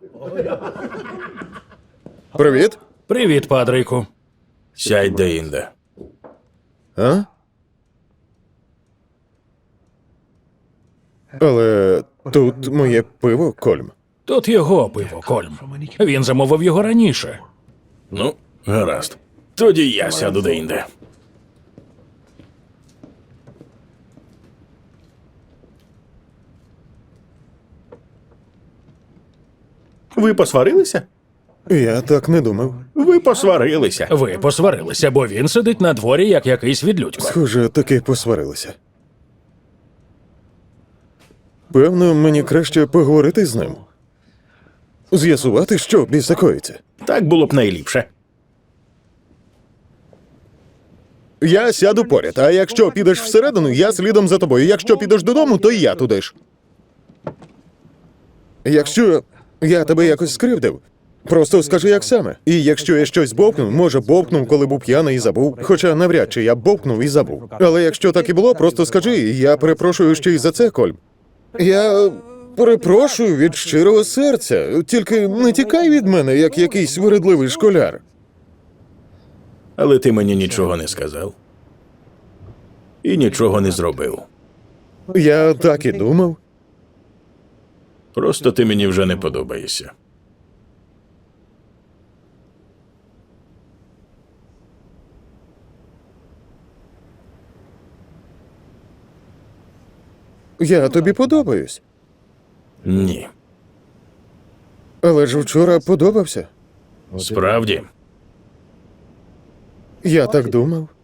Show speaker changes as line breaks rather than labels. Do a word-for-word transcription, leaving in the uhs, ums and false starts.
Привіт.
Привіт, Падрику.
Сядь де-інде.
А? Але тут моє пиво, Кольм.
Тут його пиво, Кольм. Він замовив його раніше.
Ну, гаразд. Тоді я сяду де-інде. Ви посварилися?
Я так не думав.
Ви посварилися.
Ви посварилися, бо він сидить на дворі, як якийсь відлюдько.
Схоже, таки посварилися. Певно, мені краще поговорити з ним. З'ясувати, що біса коїться.
Так було б найліпше.
Я сяду поряд, а якщо підеш всередину, я слідом за тобою. Якщо підеш додому, то і я туди ж. Якщо я тебе якось скривдив, просто скажи, як саме. І якщо я щось бовкнув, може бовкнув, коли був п'яний і забув. Хоча навряд чи я бовкнув і забув. Але якщо так і було, просто скажи, я перепрошую ще й за це, Кольм. Я перепрошую від щирого серця. Тільки не тікай від мене, як якийсь вередливий школяр.
Але ти мені нічого не сказав. І нічого не зробив.
Я так і думав.
Просто ти мені вже не подобаєшся.
Я тобі подобаюсь.
Ні.
Але ж вчора подобався.
Справді?
Я так думав.